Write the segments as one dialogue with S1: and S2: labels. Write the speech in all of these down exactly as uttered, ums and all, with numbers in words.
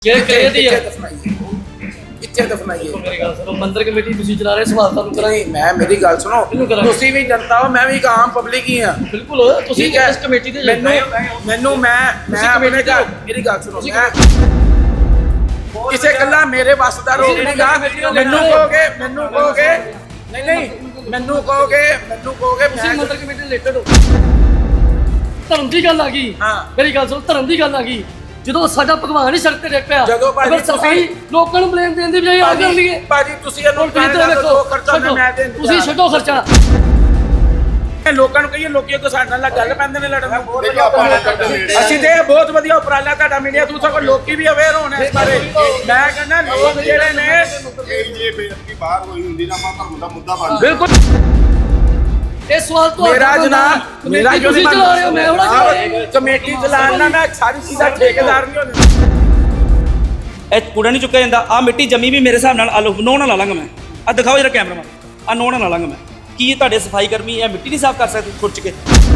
S1: ਕਿੱਥੇ ਦਫਨਾਈਏ
S2: ਮੇਰੀ ਗੱਲ ਸੁਣੋ, ਮੰਦਰ ਕਮੇਟੀ ਤੁਸੀਂ ਚਲਾ ਰਹੇ, ਸਵਾਲ ਤੁਹਾਨੂੰ ਕਰਾਂਗੇ।
S1: ਮੈਂ ਮੇਰੀ ਗੱਲ ਸੁਣੋ, ਤੁਸੀਂ ਵੀ ਜਨਤਾ ਹੋ, ਮੈਂ ਵੀ ਇੱਕ ਆਮ ਪਬਲਿਕ ਹੀ ਆ।
S2: ਬਿਲਕੁਲ, ਤੁਸੀਂ ਇਸ ਕਮੇਟੀ ਦੇ
S1: ਮੈਨੂੰ ਮੈਨੂੰ ਮੈਂ ਮੈਂ ਆਪਣੇ ਘਰ ਮੇਰੀ ਗੱਲ ਸੁਣੋ, ਮੈਂ ਕਿਸੇ ਗੱਲਾਂ ਮੇਰੇ ਵੱਸ ਦਾ ਰੋਕ ਨਹੀਂਗਾ। ਮੈਨੂੰ ਕਹੋਗੇ ਮੈਨੂੰ ਕਹੋਗੇ ਨਹੀਂ ਨਹੀਂ ਮੈਨੂੰ ਕਹੋਗੇ ਮੈਨੂੰ ਕਹੋਗੇ
S2: ਮੈਂ ਮੰਦਰ ਕਮੇਟੀ ਰਿਲੇਟਡ ਹੋ। ਧਰਮ ਦੀ ਗੱਲ ਆ ਗਈ। ਮੇਰੀ ਗੱਲ ਸੁਣੋ, ਧਰਮ ਦੀ ਗੱਲ ਆ ਗਈ। ਜਦੋਂ ਸਾਡਾ ਭਗਵਾਨ ਹੀ ਸੜਕ ਤੇ ਡਿੱਗ ਪਿਆ,
S1: ਜਦੋਂ ਭਾਜੀ
S2: ਤੁਸੀਂ ਲੋਕਾਂ ਨੂੰ ਬਲੇਮ ਦੇਣ ਦੀ ਬਜਾਏ ਆ ਕਰ ਲਈਏ।
S1: ਭਾਜੀ ਤੁਸੀਂ ਇਹਨੂੰ ਦੋ ਖਰਚਾ ਮੈਂ ਦੇ
S2: ਤੁਸੀਂ ਛੱਡੋ ਖਰਚਾ।
S1: ਲੋਕਾਂ ਨੂੰ ਕਹੀਏ, ਲੋਕੀ ਕੋ ਸਾਡੇ ਨਾਲ ਗੱਲ ਪੈਂਦੇ ਨੇ ਲੜਨ ਨੂੰ। ਅਸੀਂ ਤੇ ਬਹੁਤ ਵਧੀਆ ਉਪਰਾਲਾ ਤੁਹਾਡਾ ਮੀਡੀਆ ਤੂੰ ਸਗੋਂ ਲੋਕੀ ਵੀ ਅਵੇਅਰ ਹੋਣ ਇਸ ਬਾਰੇ। ਮੈਂ ਕਹਿੰਦਾ ਲੋਕ ਜਿਹੜੇ ਨੇ
S3: ਇਹ ਜੇ ਬੇਅਦਬੀ ਬਾਹਰ ਹੋਈ ਹੁੰਦੀ ਨਾ ਆਪਾਂ ਧਰਮ ਦਾ ਮੁੱਦਾ ਬਣ
S1: ਬਿਲਕੁਲ।
S2: ਇਹ ਸਵਾਲ ਤੋਂ
S1: ਮੇਰਾ ਜਨਾਬ ਮੇਰਾ ਜੋ
S2: ਤੁਸੀਂ ਚਲਾ ਰਹੇ ਹੋ, ਮੈਂ ਹੁਣ
S1: ਕਮੇਟੀ ਚਲਾਉਣ ਨਾਲ ਮੈਂ ਸਾਰੀ ਚੀਜ਼ਾਂ ਠੇਕੇਦਾਰ ਨਹੀਂ ਹੁੰਦੇ।
S4: ਇਹ ਕੂੜਾ ਨਹੀਂ ਚੁੱਕਿਆ ਜਾਂਦਾ। ਆ ਮਿੱਟੀ ਜੰਮੀ ਵੀ ਮੇਰੇ ਹਿਸਾਬ ਨਾਲ ਆਲੂ ਨੋਹ ਨਾਲ ਲਾ ਲਾਂਗਾ ਮੈਂ। ਆ ਦਿਖਾਓ ਜਰਾ ਕੈਮਰਾਮੈਨ, ਆ ਨੋਹ ਨਾਲ ਲਾ ਲਾਂਗਾ ਮੈਂ। ਕੀ ਤੁਹਾਡੇ ਸਫਾਈ ਕਰਮੀ ਇਹ ਮਿੱਟੀ ਨਹੀਂ ਸਾਫ਼ ਕਰ ਸਕਦੇ ਖੁਰਚ ਕੇ?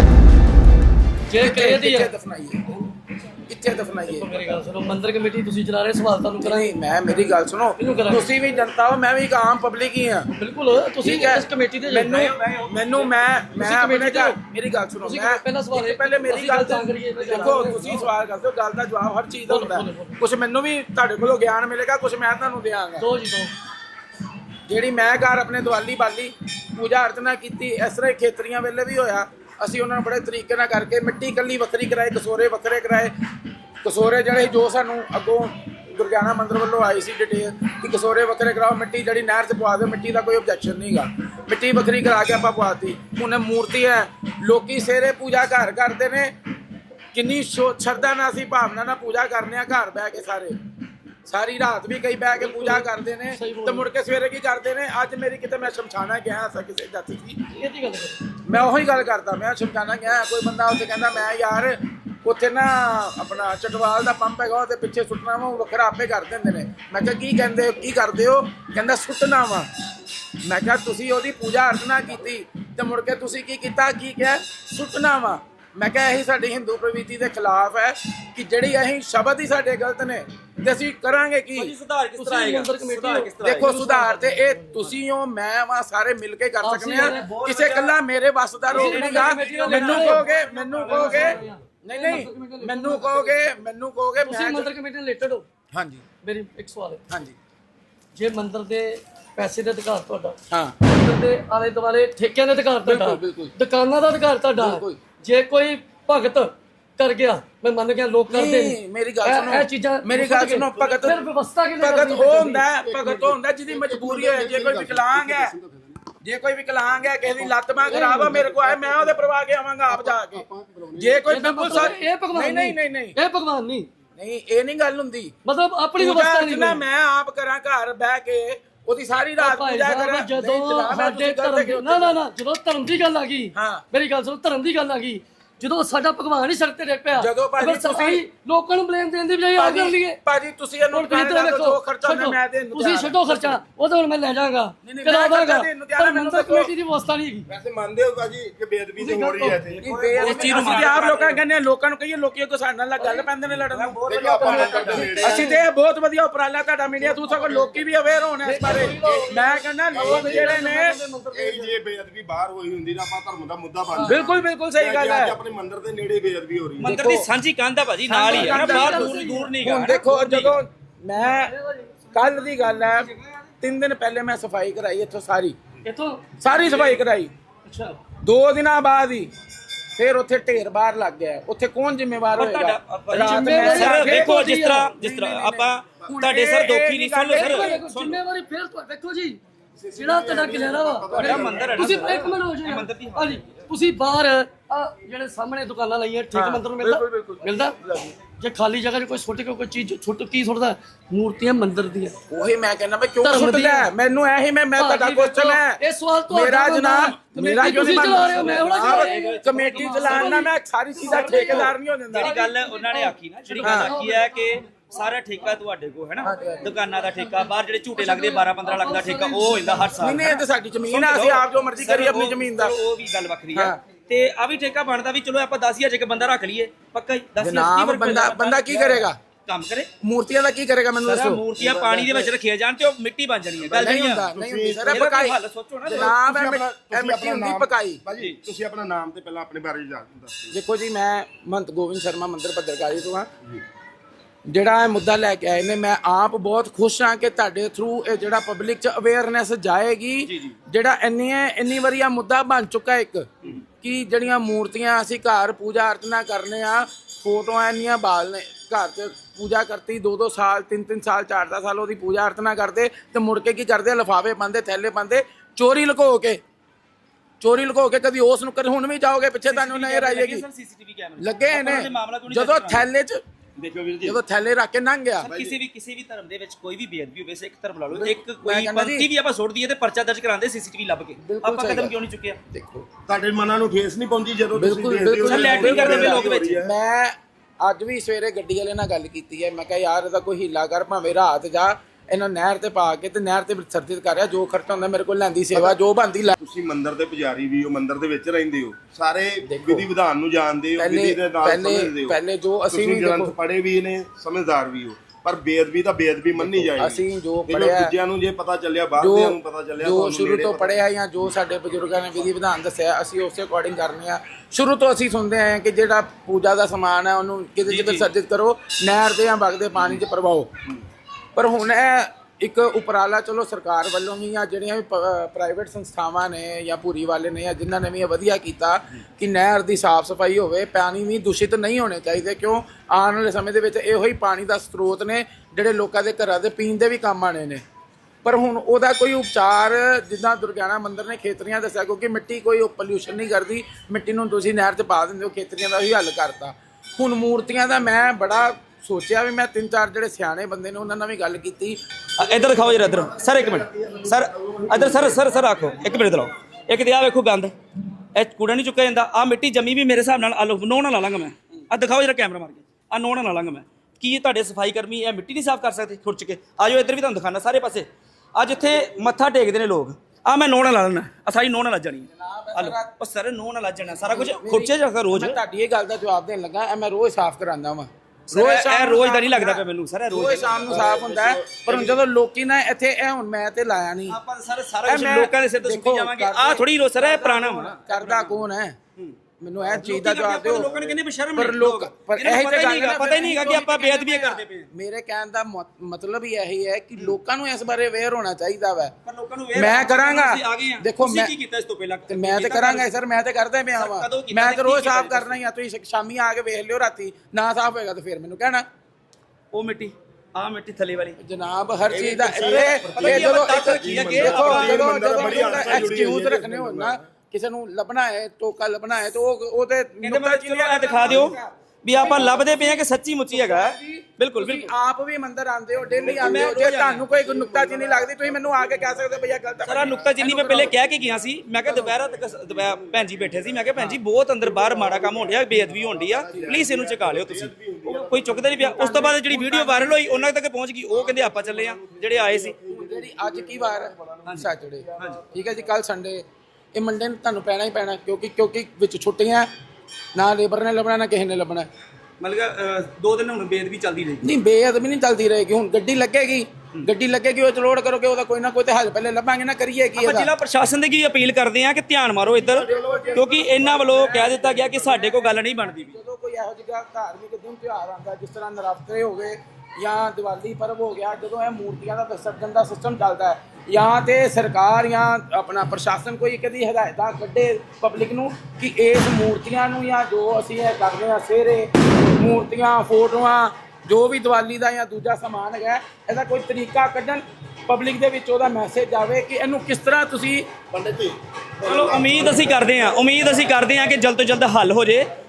S2: ਜੇ ਕਹੇ ਦੀ
S1: ਕਿੱਥੇ ਦਫਨਾਈਏ ਕਿੱਥੇ ਦਫਨਾਈਏ
S2: ਮੇਰੀ ਗੱਲ ਸੁਣੋ, ਮੰਦਰ ਕਮੇਟੀ ਤੁਸੀਂ ਚਲਾ ਰਹੇ, ਸਵਾਲ ਤੁਹਾਨੂੰ ਕਰਾਂਗੇ।
S1: ਮੈਂ ਮੇਰੀ ਗੱਲ ਸੁਣੋ, ਤੁਸੀਂ ਵੀ ਜਨਤਾ ਹੋ, ਮੈਂ ਵੀ ਇੱਕ ਆਮ ਪਬਲਿਕ ਹੀ ਆ।
S2: ਬਿਲਕੁਲ, ਤੁਸੀਂ ਇਸ ਕਮੇਟੀ ਦੇ
S1: ਮੈਨੂੰ ਮੈਨੂੰ ਮੈਂ ਮੈਂ ਆਪਣੇ ਘਰ ਮੇਰੀ ਗੱਲ ਸੁਣੋ, ਮੈਂ
S2: ਪਹਿਲਾ ਸਵਾਲ ਇਹ
S1: ਪਹਿਲੇ ਮੇਰੀ ਗੱਲ ਦੇਖੋ, ਤੁਸੀਂ ਸਵਾਲ ਕਰਦੇ ਹੋ, ਗੱਲ ਦਾ ਜਵਾਬ ਹਰ ਚੀਜ਼ ਦਾ ਹੁੰਦਾ। ਕੁਝ ਮੈਨੂੰ ਵੀ ਤੁਹਾਡੇ ਕੋਲੋਂ ਗਿਆਨ ਮਿਲੇਗਾ, ਕੁਝ ਮੈਂ ਤੁਹਾਨੂੰ ਦਿਆਂਗਾ।
S2: ਦੋ ਜੀ ਦੋ।
S1: ਜਿਹੜੀ ਮੈਂ ਘਰ ਆਪਣੇ ਦੀਵਾਲੀ ਬਾਲੀ ਪੂਜਾ ਅਰਚਨਾ ਕੀਤੀ, ਇਸ ਤਰ੍ਹਾਂ ਹੀ ਖੇਤਰੀਆਂ ਵੇਲੇ ਵੀ ਹੋਇਆ। ਅਸੀਂ ਉਹਨਾਂ ਨੂੰ ਬੜੇ ਤਰੀਕੇ ਨਾਲ ਕਰਕੇ ਮਿੱਟੀ ਕੱਲੀ ਵੱਖਰੀ ਕਰਾਏ, ਕਸੋਰੇ ਵੱਖਰੇ ਕਰਾਏ। ਕਸੋਰੇ ਜਿਹੜੇ ਜੋ ਸਾਨੂੰ ਅੱਗੋਂ ਦੁਰਗਿਆਨਾ ਮੰਦਿਰ ਵੱਲੋਂ ਆਈ ਸੀ ਡਿਟੇਲ ਕਿ ਕਸੋਰੇ ਵੱਖਰੇ ਕਰਾਓ, ਮਿੱਟੀ ਜਿਹੜੀ ਨਹਿਰ 'ਚ ਪਵਾ ਦਿਓ, ਮਿੱਟੀ ਦਾ ਕੋਈ ਓਬਜੈਕਸ਼ਨ ਨਹੀਂਗਾ। ਮਿੱਟੀ ਵੱਖਰੀ ਕਰਾ ਕੇ ਆਪਾਂ ਪਵਾਤੀ। ਹੁਣ ਮੂਰਤੀ ਹੈ, ਲੋਕੀ ਸਵੇਰੇ ਪੂਜਾ ਘਰ ਕਰਦੇ ਨੇ, ਕਿੰਨੀ ਸ਼ਰਧਾ ਨਾਲ ਅਸੀਂ ਭਾਵਨਾ ਨਾਲ ਪੂਜਾ ਕਰਨੇ ਆ ਘਰ ਬਹਿ ਕੇ। ਸਾਰੇ ਸਾਰੀ ਰਾਤ ਵੀ ਕਈ ਬਹਿ ਕੇ ਪੂਜਾ ਕਰਦੇ ਨੇ ਤੇ ਮੁੜ ਕੇ ਸਵੇਰੇ ਕੀ ਕਰਦੇ ਨੇ। ਅੱਜ ਮੇਰੀ ਕਿਤੇ ਮੈਂ ਸ਼ਮਸ਼ਾਨਾ ਗਿਆ ਸਾਂ ਕਿਸੇ ਜਾਤੀ ਸੀ,
S2: ਇਹਦੀ ਗੱਲ ਕਰੋ।
S1: ਮੈਂ ਉਹੀ ਗੱਲ ਕਰਦਾ, ਮੈਂ ਸ਼ਮਸ਼ਾਨਾ ਗਿਆ। ਕੋਈ ਬੰਦਾ ਉੱਥੇ ਕਹਿੰਦਾ ਮੈਂ ਯਾਰ ਉੱਥੇ ਨਾ ਆਪਣਾ ਚਟਵਾਲ ਦਾ ਪੰਪ ਹੈਗਾ, ਉਹਦੇ ਪਿੱਛੇ ਸੁੱਟਣਾ ਵਾ, ਉਹ ਵੱਖਰਾ ਆਪੇ ਕਰ ਦਿੰਦੇ ਨੇ। ਮੈਂ ਕਿਹਾ ਕੀ ਕਹਿੰਦੇ ਕੀ ਕਰਦੇ ਹੋ? ਕਹਿੰਦਾ ਸੁੱਟਣਾ ਵਾ। ਮੈਂ ਕਿਹਾ ਤੁਸੀਂ ਉਹਦੀ ਪੂਜਾ ਅਰਚਨਾ ਕੀਤੀ ਤੇ ਮੁੜ ਕੇ ਤੁਸੀਂ ਕੀ ਕੀਤਾ? ਕੀ ਕਿਹਾ? ਸੁੱਟਣਾ ਵਾ। ਮੈਂ ਕਿਹਾ ਇਹੀ ਸਾਡੀ ਹਿੰਦੂ ਪ੍ਰਵਿਰਤੀ ਦੇ ਖਿਲਾਫ ਹੈ ਕਿ ਜਿਹੜੀ ਅਸੀਂ ਸ਼ਬਦ ਹੀ ਸਾਡੇ ਗਲਤ ਨੇ ਤੇ ਅਸੀਂ ਕਰਾਂਗੇ ਕੀ?
S4: ਸੁਧਾਰ ਕਿਸ ਤਰ੍ਹਾਂ ਆਏਗਾ? ਸੁਧਾਰ ਕਿਸ ਤਰ੍ਹਾਂ?
S1: ਦੇਖੋ ਸੁਧਾਰ ਤੇ ਇਹ ਤੁਸੀਂ ਹੋ, ਮੈਂ ਵਾ, ਸਾਰੇ ਮਿਲ ਕੇ ਕਰ ਸਕਦੇ ਆ। ਕਿਸੇ ਗੱਲਾਂ ਮੇਰੇ ਵੱਸ ਦਾ ਰੋਕ ਨਹੀਂਗਾ। ਮੈਨੂੰ ਕਹੋਗੇ ਮੈਨੂੰ ਕਹੋਗੇ ਨਹੀਂ ਨਹੀਂ ਮੈਨੂੰ ਕਹੋਗੇ ਮੈਨੂੰ ਕਹੋਗੇ
S2: ਤੁਸੀਂ ਮੰਦਰ ਕਮੇਟੀ ਨਾਲ ਰਿਲੇਟਡ ਹੋ।
S1: ਹਾਂਜੀ
S2: ਮੇਰੀ ਇੱਕ ਸਵਾਲ ਹੈ।
S1: ਹਾਂਜੀ
S2: ਜੇ ਮੰਦਰ ਦੇ ਪੈਸੇ ਦਾ ਅਧਿਕਾਰ ਤੁਹਾਡਾ,
S1: ਹਾਂ,
S2: ਮੰਦਰ ਦੇ ਆਲੇ ਦੁਆਲੇ ਠੇਕਿਆਂ ਦਾ ਅਧਿਕਾਰ ਤੁਹਾਡਾ, ਦੁਕਾਨਾਂ ਦਾ ਅਧਿਕਾਰ ਤੁਹਾਡਾ। ਜੇ ਕੋਈ ਭਗਤ ਕਰ ਗਿਆ, ਮੈਂ ਮੰਨ ਗਿਆ ਲੋਕ ਕਰਦੇ ਨੇ,
S1: ਮੇਰੀ ਗੱਲ ਸੁਣੋ,
S2: ਇਹ ਚੀਜ਼ਾਂ
S1: ਮੇਰੀ ਗੱਲ ਸੁਣੋ। ਭਗਤ
S2: ਫਿਰ ਵਿਵਸਥਾ ਕਿਹਨੇ
S1: ਭਗਤ ਉਹ ਹੁੰਦਾ, ਭਗਤ ਉਹ ਹੁੰਦਾ ਜਿਹਦੀ ਮਜਬੂਰੀ ਹੈ। ਜੇ ਕੋਈ ਵਿਕਲਾਂਗ ਹੈ, ਜੇ ਕੋਈ ਵਿਕਲਾਂਗ ਹੈ, ਕਿਸੇ ਦੀ ਲੱਤ ਬਾਂਹ ਖਰਾਬ ਆ, ਮੇਰੇ ਕੋਲ ਆਏ, ਮੈਂ ਉਹਦੇ ਪਰਵਾਹ ਕੇ ਆਵਾਂਗਾ ਆਪ ਜਾ ਕੇ। ਜੇ ਕੋਈ ਬਿਲਕੁਲ ਸਰ
S2: ਇਹ ਭਗਵਾਨ
S1: ਨਹੀਂ ਨਹੀਂ ਨਹੀਂ
S2: ਇਹ ਭਗਵਾਨ ਨਹੀਂ
S1: ਨਹੀਂ ਇਹ ਨਹੀਂ ਗੱਲ ਹੁੰਦੀ।
S2: ਮਤਲਬ ਆਪਣੀ ਵਿਵਸਥਾ ਨਹੀਂ।
S1: ਨਾ ਮੈਂ ਆਪ ਕਰਾਂ ਘਰ ਬਹਿ ਕੇ ਉਹਦੀ ਸਾਰੀ ਰਾਤ ਪੂਜਾ ਕਰਾਂ।
S2: ਜਦੋਂ ਸਾਡੇ ਧਰਮ ਨਾ ਨਾ ਨਾ ਜਦੋਂ ਧਰਮ ਦੀ ਗੱਲ ਆ ਗਈ,
S1: ਹਾਂ
S2: ਮੇਰੀ ਗੱਲ ਸੁਣੋ, ਧਰਮ ਦੀ ਗੱਲ ਆ ਗਈ। ਜਦੋਂ ਸਾਡਾ ਭਗਵਾਨ ਹੀ ਸੜਕ ਤੇ ਡਿੱਗ ਪਿਆ,
S1: ਜਦੋਂ ਭਾਜੀ
S2: ਤੁਸੀਂ ਲੋਕਾਂ ਨੂੰ ਬਲੇਮ ਦੇਣ ਦੀ ਬਜਾਏ ਆ ਕਰ ਲਈਏ।
S1: ਭਾਜੀ ਤੁਸੀਂ ਇਹਨੂੰ ਦੋ ਖਰਚਾ ਮੈਂ ਦੇ ਦੂੰ।
S2: ਤੁਸੀਂ ਛੱਡੋ ਖਰਚਾ, ਉਹ ਤਾਂ ਹੁਣ ਮੈਂ ਲੈ ਜਾਵਾਂਗਾ, ਕਰਾ ਦਾਂਗਾ। ਪਰ ਮੰਦਰ ਕਮੇਟੀ ਦੀ ਵਿਵਸਥਾ ਨਹੀਂ ਹੈਗੀ।
S3: ਵੈਸੇ ਮੰਨਦੇ ਹੋ ਭਾਜੀ ਕਿ ਬੇਅਦਬੀ ਤੇ ਹੋ ਰਹੀ ਹੈ ਇੱਥੇ?
S1: ਇਸ ਚੀਜ਼ ਨੂੰ ਆਪ ਲੋਕਾਂ ਕਹਿੰਦੇ, ਲੋਕਾਂ ਨੂੰ ਕਹੀਏ, ਲੋਕੀ ਕੋ ਸਾਡੇ ਨਾਲ ਗੱਲ ਪੈਂਦੇ ਨੇ ਲੜਨ ਨੂੰ। ਅਸੀਂ ਤੇ ਬਹੁਤ ਵਧੀਆ ਉਪਰਾਲਾ ਤੁਹਾਡਾ ਮੀਡੀਆ ਤੂੰ ਸਗੋਂ ਲੋਕੀ ਵੀ ਅਵੇਅਰ ਹੋਣ ਇਸ ਬਾਰੇ। ਮੈਂ ਕਹਿੰਦਾ ਲੋਕ ਜਿਹੜੇ ਨੇ
S3: ਇਹ ਜੇ ਬੇਅਦਬੀ ਬਾਹਰ ਹੋਈ ਹੁੰਦੀ ਨਾ ਆਪਾਂ ਧਰਮ ਦਾ ਮੁੱਦਾ ਬਣ।
S1: ਬਿਲਕੁਲ ਬਿਲਕੁਲ ਸਹੀ ਗੱਲ ਹੈ।
S3: ਆਪਣੇ ਮੰਦਿਰ ਦੇ ਨੇੜੇ ਬੇਅਦਬੀ ਹੋ ਰਹੀ ਹੈ।
S4: ਮੰਦਿਰ ਦੀ ਸਾਂਝੀ ਕੰਧ ਆ ਭਾਜੀ, ਨਾਲ ਹੀ ਹੈ, ਬਾਹਰ ਦੂਰ ਦੂਰ ਨਹੀਂ ਗਾ।
S1: ਹੁਣ ਦੇਖੋ, ਜਦੋਂ ਮੈਂ ਕੱਲ ਦੀ ਗੱਲ ਹੈ, ਤਿੰਨ ਦਿਨ ਪਹਿਲੇ ਮੈਂ ਸਫਾਈ ਕਰਾਈ ਇੱਥੋਂ, ਸਾਰੀ
S2: ਇੱਥੋਂ
S1: ਸਾਰੀ ਸਫਾਈ ਕਰਾਈ।
S2: ਅੱਛਾ,
S1: ਦੋ ਦਿਨਾਂ ਬਾਅਦ ਹੀ ਫਿਰ ਉੱਥੇ ਢੇਰ ਬਾਹਰ ਲੱਗ ਗਿਆ। ਉੱਥੇ ਕੌਣ ਜ਼ਿੰਮੇਵਾਰ ਹੋਏਗਾ? ਰਾਤ ਮੈਂ
S4: ਸਰ ਦੇਖੋ, ਜਿਸ ਤਰ੍ਹਾਂ ਜਿਸ ਤਰ੍ਹਾਂ ਆਪਾਂ ਤੁਹਾਡੇ ਸਰ ਦੋਖੀ ਨਹੀਂ ਸੁਣ ਲਓ ਸਰ।
S2: ਜ਼ਿੰਮੇਵਾਰੀ ਫਿਰ ਤੋਂ ਦੇਖੋ ਜੀ, ਜਿਹੜਾ ਤੁਹਾਡਾ ਕਿਲੇਰਾ ਵਾ
S4: ਤੁਹਾਡਾ ਮੰਦਿਰ ਹੈ,
S2: ਤੁਸੀਂ ਇੱਕ ਮਿੰਟ ਹੋ ਜਾਏਗਾ ਮੰਦਿਰ ਦੀ। ਹਾਂਜੀ, ਤੁਸੀਂ ਬਾਹਰ ਆ ਜਿਹੜੇ ਸਾਹਮਣੇ ਦੁਕਾਨਾਂ ਲਾਈਆਂ, ਠੀਕ ਮੰਦਰ ਨੂੰ ਮਿਲਦਾ ਮਿਲਦਾ ਜੇ ਖਾਲੀ ਜਗ੍ਹਾ 'ਚ ਕੋਈ ਸੁੱਟ ਕੇ ਕੋਈ ਚੀਜ਼ ਛੁੱਟ ਕੀ ਸੁੱਟਦਾ? ਮੂਰਤੀਆਂ ਮੰਦਰ ਦੀਆਂ।
S1: ਉਹੀ ਮੈਂ ਕਹਿੰਦਾ ਮੈਂ ਕਿਉਂ ਸੁੱਟਦਾ? ਮੈਨੂੰ ਇਹੀ ਮੈਂ ਮੈਂ ਤੁਹਾਡਾ ਕੁਐਸਚਨ ਹੈ।
S2: ਇਹ ਸਵਾਲ ਤੁਹਾਡਾ
S1: ਮੇਰਾ ਜਨਾਬ ਮੇਰਾ ਜੋ
S2: ਤੁਸੀਂ ਚਲਾ ਰਹੇ ਹੋ, ਮੈਂ ਹੁਣ
S1: ਕਮੇਟੀ ਚਲਾਉਣ ਨਾਲ ਮੈਂ ਸਾਰੀ ਚੀਜ਼ਾਂ ਠੇਕੇਦਾਰ ਨਹੀਂ ਹੋ ਜਾਂਦਾ।
S4: ਜਿਹੜੀ ਗੱਲ ਉਹਨਾਂ ਨੇ ਆਖੀ ਨਾ, ਜਿਹੜੀ ਗੱਲ ਆਖੀ ਹੈ ਕਿ ਸਾਰਾ ਠੇਕਾ ਤੁਹਾਡੇ ਕੋਲ ਹੈ ਨਾ, ਦੁਕਾਨਾਂ ਦਾ ਠੇਕਾ, ਬਾਹਰ ਜਿਹੜੇ ਝੂਟੇ ਲੱਗਦੇ ਬਾਰਾਂ ਪੰਦਰਾਂ ਲੱਖ ਦਾ ਠੇਕਾ ਉਹ ਹੋ ਜਾਂਦਾ ਹਰ ਸਾਲ।
S1: ਨਹੀਂ ਨਹੀਂ, ਇਹ ਤਾਂ ਸਾਡੀ ਜ਼ਮੀਨ ਆ, ਅਸੀਂ ਆਪ ਜੋ ਮਰਜ਼ੀ ਕਰੀਏ ਆਪਣੀ ਜ਼ਮੀਨ ਦਾ।
S4: ਉਹ ਵੀ ਗੱਲ ਵੱਖਰੀ ਆ। ਤੇ ਆ ਵੀ ਠੇਕਾ ਬਣਦਾ ਵੀ, ਚਲੋ ਆਪਾਂ ਦਸ ਹਜ਼ਾਰ ਇੱਕ ਬੰਦਾ ਰੱਖ ਲਈਏ, ਪੱਕਾ ਹੀ ਦਸ ਹਜ਼ਾਰ।
S1: ਬੰਦਾ ਬੰਦਾ ਕੀ ਕਰੇਗਾ?
S4: ਕੰਮ ਕਰੇ।
S1: ਮੂਰਤੀਆਂ ਦਾ ਕੀ ਕਰੇਗਾ ਮੈਨੂੰ
S4: ਸਰ
S1: ਦੱਸੋ।
S4: ਮੂਰਤੀਆਂ ਪਾਣੀ ਦੇ ਵਿੱਚ ਰੱਖੀਆਂ ਜਾਣ ਤੇ ਉਹ ਮਿੱਟੀ ਬਣ ਜਾਣੀ ਹੈ, ਗੱਲ
S1: ਨਹੀਂ
S4: ਨਹੀਂ
S1: ਹੁੰਦਾ
S4: ਆ।
S1: ਨਹੀਂ ਹੁੰਦੀ ਸਰ, ਇਹ
S4: ਇਹਦਾ ਕੋਈ
S1: ਪਕਾਈ
S4: ਹੱਲ ਸੋਚੋ ਨਾ।
S1: ਜਨਾਬ
S3: ਤੁਸੀਂ
S1: ਇਹ
S3: ਆਪਣਾ-
S1: ਮਿੱਟੀ- ਇਹ
S3: ਤੁਸੀਂ
S1: ਮਿੱਟੀ
S3: ਆਪਣਾ
S1: ਹੁੰਦੀ
S3: ਨਾਮ-
S1: ਪਕਾਈ।
S3: ਭਾਜੀ ਤੁਸੀਂ ਆਪਣਾ ਨਾਮ ਤੇ ਪਹਿਲਾਂ ਆਪਣੇ ਬਾਰੇ ਦੱਸੋ।
S1: ਦੇਖੋ ਜੀ ਮੈਂ ਮਹੰਤ ਗੋਬਿੰਦ ਸ਼ਰਮਾ ਮੰਦਿਰ ਭੱਦਰਕਾਲੀ ਤੋਂ ਹਾਂ। ਜਿਹੜਾ ਇਹ ਮੁੱਦਾ ਲੈ ਕੇ ਆਏ ਨੇ, ਮੈਂ ਆਪ ਬਹੁਤ ਖੁਸ਼ ਹਾਂ ਕਿ ਤੁਹਾਡੇ ਥਰੂ ਇਹ ਜਿਹੜਾ ਪਬਲਿਕ 'ਚ ਅਵੇਅਰਨੈਸ ਜਾਏਗੀ। ਜਿਹੜਾ ਇੰਨੀ ਇੰਨੀ ਵਾਰੀ ਆ ਮੁੱਦਾ ਬਣ ਚੁੱਕਾ ਇੱਕ ਕਿ ਜਿਹੜੀਆਂ ਮੂਰਤੀਆਂ ਅਸੀਂ ਘਰ ਪੂਜਾ ਅਰਚਨਾ ਕਰਨੇ ਆ, ਫੋਟੋਆਂ ਇੰਨੀਆਂ ਬਾਲ ਨੇ ਘਰ 'ਚ ਪੂਜਾ ਕਰਤੀ ਦੋ ਦੋ ਸਾਲ ਤਿੰਨ ਤਿੰਨ ਸਾਲ ਚਾਰ ਚਾਰ ਸਾਲ ਉਹਦੀ ਪੂਜਾ ਅਰਚਨਾ ਕਰਦੇ ਤੇ ਮੁੜ ਕੇ ਕੀ ਕਰਦੇ, ਲਿਫਾਫੇ ਪਾਉਂਦੇ ਥੈਲੇ ਪਾਉਂਦੇ ਚੋਰੀ ਲੁਕੋ ਕੇ ਚੋਰੀ ਲੁਕੋ ਕੇ ਕਦੀ ਉਸ ਨੂੰ ਕਰ ਹੁਣ ਵੀ ਜਾਓਗੇ ਪਿੱਛੇ ਤੁਹਾਨੂੰ ਨਜ਼ਰ ਆ ਜਾਏਗੀ
S4: ਸੀਸੀਟੀਵੀ ਕੈਮਰੇ
S1: ਲੱਗੇ ਨੇ। ਜਦੋਂ ਥੈਲੇ 'ਚ
S4: ਦੇਖੋ ਵੀਰ ਜੀ,
S1: ਜਦੋਂ ਥੈਲੇ ਰੱਖ ਕੇ ਲੰਘ ਗਿਆ
S4: ਕਿਸੇ ਵੀ ਕਿਸੇ ਵੀ ਧਰਮ ਦੇ ਵਿੱਚ ਕੋਈ ਵੀ ਬੇਅਦਬੀ ਹੋਵੇ, ਸਿੱਖ ਧਰਮ ਲਾ ਲਓ, ਇੱਕ
S1: ਮੈਂ
S4: ਕੋਈ
S1: ਕਹਿੰਦਾ ਜੀ-
S4: ਪੰਥੀ ਵੀ ਆਪਾਂ ਸੁੱਟ ਦਈਏ ਤੇ ਪਰਚਾ ਦਰਜ ਕਰਾਉਂਦੇ ਸੀਸੀਟੀਵੀ ਲੱਭ ਕੇ।
S1: ਬਿਲਕੁਲ
S4: ਆਪਾਂ
S1: ਸਹੀ
S4: ਕਦਮ
S1: ਗੱਲ।
S4: ਕਿਉਂ ਨਹੀਂ ਚੁੱਕਿਆ?
S1: ਦੇਖੋ
S3: ਤੁਹਾਡੇ ਮਨਾਂ ਨੂੰ ਠੇਸ ਨਹੀਂ ਪਹੁੰਚੀ ਜਦੋਂ ਤੁਸੀਂ
S1: ਬਿਲਕੁਲ
S3: ਦੇਖਦੇ ਹੋ
S1: ਬਿਲਕੁਲ
S3: ਕਿ
S4: ਲੈਟਰਿੰਗ ਕਰਦੇ ਪਏ ਲੋਕ ਵਿੱਚ।
S1: ਮੈਂ ਅੱਜ ਵੀ ਸਵੇਰੇ ਗੱਡੀ ਵਾਲੇ ਨਾਲ ਗੱਲ ਕੀਤੀ ਹੈ। ਮੈਂ ਕਿਹਾ ਯਾਰ ਇਹਦਾ ਕੋਈ ਹੀਲਾ ਕਰ, ਭਾਵੇਂ ਰਾਤ ਜਾ ਇਹਨਾਂ ਨਹਿਰ ਤੇ ਪਾ ਕੇ ਤੇ ਨਹਿਰ ਤੇ ਵਿਸਰਜਿਤ ਕਰ ਰਿਹਾ, ਜੋ ਖਰਚਾ ਹੁੰਦਾ ਮੇਰੇ ਕੋਲ ਲੈਂਦੀ ਸੇਵਾ ਜੋ ਬੰਦੀ ਲੈ।
S3: ਤੁਸੀਂ ਮੰਦਿਰ ਦੇ ਪੁਜਾਰੀ ਵੀ ਹੋ, ਮੰਦਿਰ ਦੇ ਵਿੱਚ ਰਹਿੰਦੇ ਹੋ, ਸਾਰੇ ਵਿਧੀ ਵਿਧਾਨ ਨੂੰ ਜਾਣਦੇ ਹੋ,
S1: ਪਹਿਲੇ-
S3: ਵਿਧੀ ਦੇ ਨਾਲ
S1: ਪਹਿਲੇ-
S3: ਸਮਝਦੇ ਹੋ।
S1: ਪਹਿਲੇ ਜੋ ਅਸੀਂ
S3: ਤੁਸੀਂ
S1: ਵੀ
S3: ਗ੍ਰੰਥ
S1: ਦੇਖੋ-
S3: ਪੜ੍ਹੇ ਵੀ ਨੇ, ਸਮਝਦਾਰ ਵੀ ਹੋ, ਪਰ ਬੇਅਦਬੀ ਤਾਂ ਬੇਅਦਬੀ ਮੰਨੀ ਜਾਏਗੀ।
S1: ਅਸੀਂ ਜੋ
S3: ਤੇ
S1: ਪੜ੍ਹਿਆ-
S3: ਦੂਜਿਆਂ ਨੂੰ ਜੇ ਪਤਾ ਚੱਲਿਆ, ਬਾਹਰ
S1: ਜੋ
S3: ਦਿਆਂ ਨੂੰ ਪਤਾ ਚੱਲਿਆ,
S1: ਜੋ
S3: ਤੁਹਾਨੂੰ
S1: ਸ਼ੁਰੂ
S3: ਨੇੜੇ
S1: ਤੋਂ
S3: ਪਤਾ-
S1: ਪੜ੍ਹਿਆ ਜਾਂ ਜੋ ਸਾਡੇ ਬਜ਼ੁਰਗਾਂ ਨੇ ਵਿਧੀ ਵਿਧਾਨ ਦੱਸਿਆ ਅਸੀਂ ਉਸੇ ਅਕੋਰਡਿੰਗ ਕਰਨੇ ਆ। ਸ਼ੁਰੂ ਤੋਂ ਅਸੀਂ ਸੁਣਦੇ ਆਏ ਹਾਂ ਕਿ ਜਿਹੜਾ ਪੂਜਾ ਦਾ ਸਮਾਨ ਹੈ ਉਹਨੂੰ ਕਿਤੇ ਚ ਵਿਸਰਜਿਤ ਕਰੋ, ਨਹਿਰ ਦੇ ਜਾਂ ਵਗਦੇ ਪਾਣੀ 'ਚ ਪ੍ਰਵਾਹੋ। ਪਰ ਹੁਣ ਇਹ ਇੱਕ ਉਪਰਾਲਾ ਚਲੋ ਸਰਕਾਰ ਵੱਲੋਂ ਵੀ ਜਾਂ ਜਿਹੜੀਆਂ ਵੀ ਪ੍ਰਾਈਵੇਟ ਸੰਸਥਾਵਾਂ ਨੇ ਜਾਂ ਭੂਰੀ ਵਾਲੇ ਨੇ ਜਾਂ ਜਿਨ੍ਹਾਂ ਨੇ ਵੀ ਇਹ ਵਧੀਆ ਕੀਤਾ ਕਿ ਨਹਿਰ ਦੀ ਸਾਫ਼ ਸਫਾਈ ਹੋਵੇ, ਪਾਣੀ ਵੀ ਦੂਸ਼ਿਤ ਨਹੀਂ ਹੋਣੇ ਚਾਹੀਦੇ। ਕਿਉਂ ਆਉਣ ਵਾਲੇ ਸਮੇਂ ਦੇ ਵਿੱਚ ਇਹੋ ਹੀ ਪਾਣੀ ਦਾ ਸਰੋਤ ਨੇ ਜਿਹੜੇ ਲੋਕਾਂ ਦੇ ਘਰਾਂ ਦੇ ਪੀਣ ਦੇ ਵੀ ਕੰਮ ਆਣੇ ਨੇ। ਪਰ ਹੁਣ ਉਹਦਾ ਕੋਈ ਉਪਚਾਰ ਜਿੱਦਾਂ ਦੁਰਗਿਆਣਾ ਮੰਦਿਰ ਨੇ ਖੇਤਰੀਆਂ ਦੱਸਿਆ, ਕਿਉਂਕਿ ਮਿੱਟੀ ਕੋਈ ਪੋਲਿਊਸ਼ਨ ਨਹੀਂ ਕਰਦੀ, ਮਿੱਟੀ ਨੂੰ ਤੁਸੀਂ ਨਹਿਰ 'ਚ ਪਾ ਦਿੰਦੇ ਹੋ, ਖੇਤਰੀਆਂ ਦਾ ਵੀ ਹੱਲ ਕਰਤਾ। ਹੁਣ ਮੂਰਤੀਆਂ ਦਾ ਮੈਂ ਬੜਾ ਸੋਚਿਆ ਵੀ ਮੈਂ ਤਿੰਨ ਚਾਰ ਜਿਹੜੇ ਸਿਆਣੇ ਬੰਦੇ ਨੇ ਉਹਨਾਂ ਨਾਲ ਵੀ ਗੱਲ ਕੀਤੀ।
S4: ਇੱਧਰ ਦਿਖਾਓ ਜਰਾ, ਇੱਧਰ ਸਰ ਇੱਕ ਮਿੰਟ ਸਰ, ਇੱਧਰ ਸਰ ਸਰ ਸਰ ਆਖੋ ਇੱਕ ਮਿੰਟ ਦਿਲਾਓ। ਇੱਕ ਤੇ ਆ ਵੇਖੋ ਗੰਦ, ਇਹ ਕੂੜਾ ਨਹੀਂ ਚੁੱਕਿਆ ਜਾਂਦਾ। ਆ ਮਿੱਟੀ ਜੰਮੀ ਵੀ ਮੇਰੇ ਹਿਸਾਬ ਨਾਲ ਆ ਲੋ ਨੋਹ ਨਾਲ ਲਾਂਗਾ ਮੈਂ। ਆ ਦਿਖਾਓ ਜਰਾ ਕੈਮਰਾ ਮਾਰ ਕੇ, ਆ ਨੋਹ ਨਾਲ ਲਾਂਗਾ ਮੈਂ। ਕੀ ਤੁਹਾਡੇ ਸਫਾਈ ਕਰਮੀ ਇਹ ਮਿੱਟੀ ਨਹੀਂ ਸਾਫ਼ ਕਰ ਸਕਦੇ ਖੁਰਚ ਕੇ? ਆ ਜਾਓ ਇੱਧਰ ਵੀ ਤੁਹਾਨੂੰ ਦਿਖਾਣਾ ਸਾਰੇ ਪਾਸੇ। ਆ ਜਿੱਥੇ ਮੱਥਾ ਟੇਕਦੇ ਨੇ ਲੋਕ, ਆ ਮੈਂ ਨੋਹ ਨਾਲ ਲਾ ਲੈਣਾ, ਆ ਸਾਰੀ ਨੋਹ ਨਾਲ ਲੱਜ ਜਾਣੀ ਆ ਲੋ। ਉਹ ਸਰ ਨੋਹ ਨਾਲ ਲੱਜ ਜਾਣਾ ਸਾਰਾ ਕੁਝ ਖੁਰਚੇ ਜਾ ਰੋਜ਼।
S1: ਮੈਂ ਤੁਹਾਡੀ ਇਹ ਗੱਲ ਦਾ ਜਵਾਬ ਦੇਣ ਲੱਗਾ, ਇਹ ਮੈਂ ਰੋਜ਼ ਸਾਫ਼ ਕਰਾਉਂਦਾ ਵਾਂ।
S4: ਰੋਜ਼ ਇਹ ਰੋਜ਼ ਦਾ ਨਹੀਂ ਲੱਗਦਾ ਪਿਆ ਮੈਨੂੰ ਸਰ, ਇਹ ਰੋਜ਼
S1: ਰੋਜ਼ ਸ਼ਾਮ ਨੂੰ ਸਾਫ਼ ਹੁੰਦਾ ਹੈ। ਪਰ ਹੁਣ ਜਦੋਂ ਲੋਕੀ ਨਾ ਇੱਥੇ ਇਹ ਹੁਣ ਮੈਂ ਤੇ ਲਾਇਆ ਨਹੀਂ,
S4: ਆਪਾਂ ਸਰ ਸਾਰਾ ਕੁਝ ਲੋਕਾਂ ਦੇ ਸਿਰ ਤੇ ਸੁੱਟੀ ਜਾਵਾਂਗੇ। ਆ ਥੋੜੀ ਰੋ ਸਰ ਇਹ ਪੁਰਾਣਾ ਹੋਣਾ
S1: ਕਰਦਾ ਕੌਣ ਹੈ? ਮੈਨੂੰ ਇਹ ਚੀਜ਼ ਦਾ ਜਵਾਬ ਦਿਓ।
S4: ਲੋਕਾਂ ਨੇ ਕਹਿੰਦੇ ਬਸ਼ਰਮ
S1: ਪਰ ਲੋਕ ਪਰ ਇਹੀ ਤਾਂ ਗੱਲ ਹੈ,
S4: ਪਤਾ ਹੀ ਨਹੀਂ ਹੈਗਾ ਕਿ ਆਪਾਂ ਬੇਅਦਬੀ ਕਰਦੇ ਪਏ।
S1: ਮੇਰੇ ਕਹਿਣ ਦਾ ਮ- ਮਤਲਬ ਹੀ ਇਹੀ ਹੈ ਕਿ ਲੋਕਾਂ ਨੂੰ ਇਸ ਬਾਰੇ ਅਵੇਅਰ ਹੋਣਾ ਚਾਹੀਦਾ ਵਾ।
S4: ਪਰ ਲੋਕਾਂ ਨੂੰ
S1: ਮੈਂ ਕਰਾਂਗਾ।
S4: ਦੇਖੋ
S1: ਦੇਖੋ
S4: ਮੈਂ
S1: ਮੈਂ
S4: ਕੀ ਕੀਤਾ ਇਸ ਤੋਂ ਪਹਿਲਾਂ
S1: ਤੇ ਮੈਂ ਤੇ ਕਰਾਂਗਾ ਸਰ, ਮੈਂ ਤੇ ਕਰਦਾ ਪਿਆ ਵਾਂ।
S4: ਕਦੋਂ ਕੀਤਾ
S1: ਮੈਂ
S4: ਤੇ
S1: ਤੇ
S4: ਕੀ
S1: ਰੋਜ਼
S4: ਕੀਤਾ
S1: ਸਾਫ਼ ਕਰਨਾ ਹੀ ਆ। ਤੁਸੀਂ ਸ਼ਾਮੀ ਆ ਕੇ ਵੇਖ ਲਿਓ, ਰਾਤੀ ਨਾ ਸਾਫ਼ ਹੋਏਗਾ ਤਾਂ ਫਿਰ ਮੈਨੂੰ ਕਹਿਣਾ।
S4: ਉਹ ਮਿੱਟੀ ਆ ਮਿੱਟੀ ਥੱਲੇ ਵਾਲੀ
S1: ਜਨਾਬ ਹਰ ਚੀਜ਼ ਦਾ
S4: ਪਤਾ
S1: ਇਹ
S4: ਕੀ ਆ,
S1: ਜਦੋਂ
S4: ਪਤਾ ਕੀ ਆ ਕਿ
S1: ਦੇਖੋ
S3: ਆਪਾਂ
S1: ਜਦੋਂ
S3: ਮੰਦਿਰ
S1: ਜਦੋਂ
S3: ਬੜੀ ਆਸਥਾ ਜੁੜੀ ਹੋਈ
S1: ਐਕਸਕਿਊਜ਼
S3: ਹੈ
S1: ਰੱਖਣੇ ਹੋਣ ਨਾ, ਕਿਸੇ ਨੂੰ ਲੱਭਣਾ ਹੈ, ਟੋਕਾ ਲੱਭਣਾ ਹੈ, ਤੇ ਉਹ ਉਹ ਤੇ
S4: ਕਹਿੰਦੇ ਮੈਂ ਚਲੋ ਇਹ ਦਿਖਾ ਦਿਓ ਵੀ ਆਪਾਂ ਲੱਭਦੇ ਪਏ ਆ ਕਿ ਸੱਚੀ ਮੁੱਚੀ ਹੈਗਾ। ਬਿਲਕੁਲ
S1: ਤੁਸੀਂ
S4: ਬਿਲਕੁਲ
S1: ਆਪ ਵੀ ਮੰਦਰ ਆਉਂਦੇ ਹੋ, ਡੇਲੀ ਆਉਂਦੇ ਹੋ। ਜੇ ਤੁਹਾਨੂੰ ਕੋਈ ਨੁਕਤਾ ਚੀਨੀ ਲੱਗਦੀ ਤੁਸੀਂ ਮੈਨੂੰ ਆ ਕੇ ਕਹਿ ਸਕਦੇ ਹੋ ਭਈਆ ਗਲਤ ਹੈ।
S4: ਸਾਰਾ ਨੁਕਤਾ ਜਿੰਨੀ ਮੈਂ ਪਹਿਲੇ ਕਹਿ ਕੇ ਗਿਆ ਸੀ। ਮੈਂ ਕਿਹਾ ਦੁਪਹਿਰਾ ਤੱਕ ਦੁਪਹਿਰ ਭੈਣ ਜੀ ਬੈਠੇ ਸੀ, ਮੈਂ ਕਿਹਾ ਭੈਣ ਜੀ ਬਹੁਤ ਅੰਦਰ ਬਾਹਰ ਮਾੜਾ ਕੰਮ ਹੋਣ ਡਿਆ, ਬੇਅਦਬੀ ਹੋਣ ਡਈ ਆ, ਪਲੀਜ਼ ਇਹਨੂੰ ਚੁਕਾ ਲਿਓ ਤੁਸੀਂ। ਉਹ ਕੋਈ ਚੁੱਕਦਾ ਨਹੀਂ ਪਿਆ। ਉਸ ਤੋਂ ਬਾਅਦ ਜਿਹੜੀ ਵੀਡੀਓ ਵਾਇਰਲ ਹੋਈ ਉਹਨਾਂ ਤੱਕ ਪਹੁੰਚ ਗਈ, ਉਹ ਕਹਿੰਦੇ ਆਪਾਂ ਚੱਲੇ ਆ ਜਿਹੜੇ ਆਏ ਸੀ।
S1: ਜਿਹੜੀ ਅੱਜ ਕੀ ਵਾਰ ਹੈ? ਸੈਟਰਡੇ। ਠੀਕ ਹੈ ਜੀ, ਕੱਲ ਸੰਡੇ। ਇਹ ਮੰਡੇ ਨੂੰ ਤੁਹਾਨੂੰ ਪੈਣਾ ਹੀ ਪੈਣਾ, ਕਿਉਂਕਿ ਕਿਉਂਕਿ ਵਿੱਚ ਛੁੱਟੀਆਂ, ਨਾ ਲੇਬਰ ਨੇ ਲੱਭਣਾ ਨਾ ਕਿਸੇ ਨੇ ਲੱਭਣਾ।
S4: ਮਤਲਬ ਦੋ ਦਿਨ ਹੁਣ ਬੇਅਦਬੀ ਚੱਲਦੀ ਰਹੀ।
S1: ਨਹੀਂ ਬੇਅਦਬੀ ਨਹੀਂ ਚੱਲਦੀ ਰਹੇਗੀ। ਹੁਣ ਗੱਡੀ ਲੱਗੇਗੀ, ਗੱਡੀ ਲੱਗੇਗੀ, ਉਹ ਚਲੋੜ ਕਰੋਗੇ, ਉਹਦਾ ਕੋਈ ਨਾ ਕੋਈ ਤੇ ਹੱਲ ਪਹਿਲੇ ਲੱਭਾਂਗੇ ਨਾ। ਕਰੀਏ ਕੀ
S4: ਆਪਾਂ
S1: ਇਹਦਾ?
S4: ਜ਼ਿਲ੍ਹਾ ਪ੍ਰਸ਼ਾਸਨ ਦੇ ਕੀ ਅਪੀਲ ਕਰਦੇ ਆ ਕਿ ਧਿਆਨ ਮਾਰੋ ਇੱਧਰ, ਕਿਉਂਕਿ ਇਹਨਾਂ ਵੱਲੋਂ ਕਹਿ ਦਿੱਤਾ ਗਿਆ ਕਿ ਸਾਡੇ ਕੋਲ ਗੱਲ ਨਹੀਂ ਬਣਦੀ।
S1: ਜਦੋਂ ਕੋਈ ਇਹੋ ਜਿਹਾ ਧਾਰਮਿਕ ਦਿਨ ਤਿਉਹਾਰ ਆਉਂਦਾ, ਜਿਸ ਤਰ੍ਹਾਂ ਨਰਾਤੇ ਹੋ ਗਏ ਜਾਂ ਦੀਵਾਲੀ ਪਰਵ ਹੋ ਗਿਆ, ਜਦੋਂ ਇਹ ਮੂਰਤੀਆਂ ਦਾ ਵਿਸਰਜਨ ਦਾ ਸਿਸਟਮ ਚੱਲਦਾ ਹੈ, ਜਾਂ ਤੇ ਸਰਕਾਰ ਜਾਂ ਆਪਣਾ ਪ੍ਰਸ਼ਾਸਨ ਕੋਈ ਕਦੀ ਹਦਾਇਤਾਂ ਕੱਢੇ ਪਬਲਿਕ ਨੂੰ ਕਿ ਇਸ ਮੂਰਤੀਆਂ ਨੂੰ ਜਾਂ ਜੋ ਅਸੀਂ ਇਹ ਕਰਦੇ ਹਾਂ ਸਿਹਰੇ, ਮੂਰਤੀਆਂ, ਫੋਟੋਆਂ, ਜੋ ਵੀ ਦੀਵਾਲੀ ਦਾ ਜਾਂ ਦੂਜਾ ਸਮਾਨ ਹੈਗਾ, ਇਹਦਾ ਕੋਈ ਤਰੀਕਾ ਕੱਢਣ ਪਬਲਿਕ ਦੇ ਵਿੱਚ, ਉਹਦਾ ਮੈਸੇਜ ਜਾਵੇ ਕਿ ਇਹਨੂੰ ਕਿਸ ਤਰ੍ਹਾਂ ਤੁਸੀਂ।
S3: ਪੰਡਿਤ ਜੀ
S4: ਚਲੋ ਉਮੀਦ ਅਸੀਂ ਕਰਦੇ ਹਾਂ ਉਮੀਦ ਅਸੀਂ ਕਰਦੇ ਹਾਂ ਕਿ ਜਲਦ ਤੋਂ ਜਲਦ ਹੱਲ ਹੋ ਜੇ।